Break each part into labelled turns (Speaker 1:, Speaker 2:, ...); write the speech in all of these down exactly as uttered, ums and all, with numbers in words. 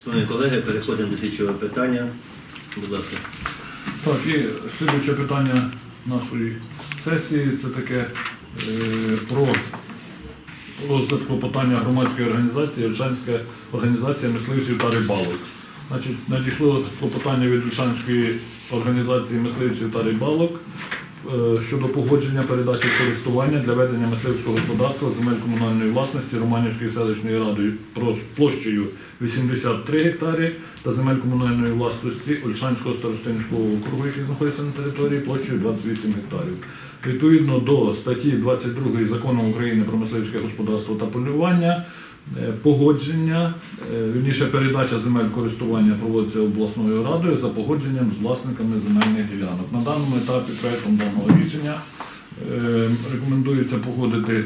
Speaker 1: Шановні колеги, переходимо до слідчого питання. Будь ласка.
Speaker 2: Так, і слідуюче питання нашої сесії – це таке е, про розгляд клопотання громадської організації «Ольшанська організація мисливців та рибалок». Значить, надійшло клопотання від Ольшанської організації мисливців та рибалок е, щодо погодження передачі в користування для ведення мисливського господарства земель комунальної власності Романівської селищної ради площею вісімдесят три гектари та земель комунальної власності Ольшанського старостинського округу, який знаходиться на території, площею двадцять вісім гектарів. Відповідно до статті двадцять другої Закону України про мисливське господарство та полювання, погодження, вірніше передача земель користування проводиться обласною радою за погодженням з власниками земельних ділянок. На даному етапі проектом даного рішення рекомендується погодити,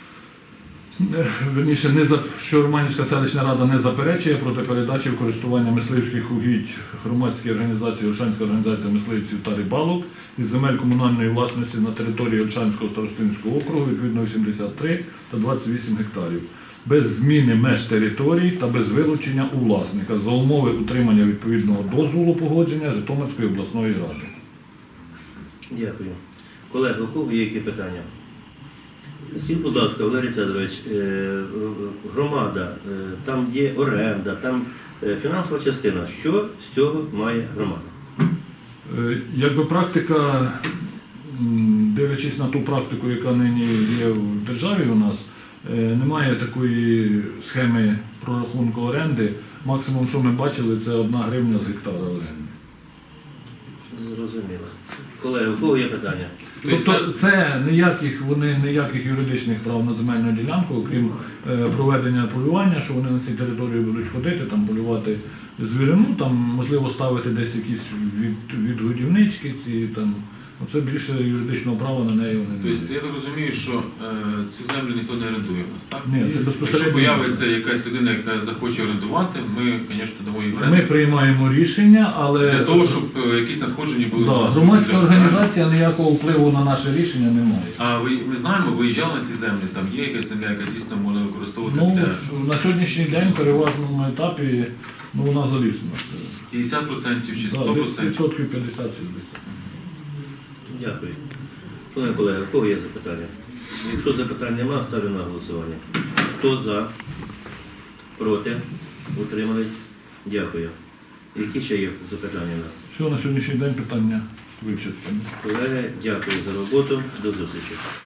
Speaker 2: вірніше, не за, що Романівська селищна рада не заперечує проти передачі в користування мисливських угідь громадській організації Ольшанська організація мисливців та рибалок із земель комунальної власності на території Ольшанського старостинського округу відповідно вісімдесят три та двадцять вісім гектарів. Без зміни меж територій та без вилучення у власника за умови утримання відповідного дозволу погодження Житомирської обласної ради.
Speaker 1: Дякую. Колеги, у кого є які питання? Скажіть, будь ласка, Валерій Цезарович, громада, там є оренда, там фінансова частина. Що з цього має громада?
Speaker 2: Якби практика, дивлячись на ту практику, яка нині є в державі у нас, немає такої схеми прорахунку оренди. Максимум, що ми бачили, це одна гривня з гектара оренди.
Speaker 1: Зрозуміло. Колеги, у кого є питання?
Speaker 2: Тобто це ніяких, вони ніяких юридичних прав на земельну ділянку, окрім е, проведення полювання, що вони на цій території будуть ходити, там полювати звірину, там можливо ставити десь якісь від, відгодівнички, ці там. Оце більше юридичного права на неї вони не мають.
Speaker 3: Тобто я так розумію, що е, цю землю ніхто не орендує в нас, так?
Speaker 2: Ні, це безпосередньо.
Speaker 3: Якщо появиться якась людина, яка захоче орендувати, ми, звісно, дамо їй в оренду.
Speaker 2: Ми приймаємо рішення, але...
Speaker 3: Для того, щоб е, якісь надходження були
Speaker 2: Да,
Speaker 3: до нас.
Speaker 2: громадська організація ніякого впливу на наше рішення не має.
Speaker 3: А ви, ми знаємо, виїжджали на ці землі, там є якась земля, яка дійсно можна використовувати
Speaker 2: Ну,
Speaker 3: для...
Speaker 2: на сьогоднішній день в переважному етапі ну, вона залізна.
Speaker 3: п'ятдесят відсотків чи сто
Speaker 2: Да,
Speaker 3: відсотків?
Speaker 2: відсотків п'ятдесят-шістдесят.
Speaker 1: Дякую. Шановні колеги, у кого є запитання? Якщо запитань немає, ставлю на голосування. Хто за? Проти? Утримались? Дякую. Які ще є запитання у нас?
Speaker 2: Все, на сьогоднішній день питання вичерпані.
Speaker 1: Колеги, дякую за роботу. До зустрічі.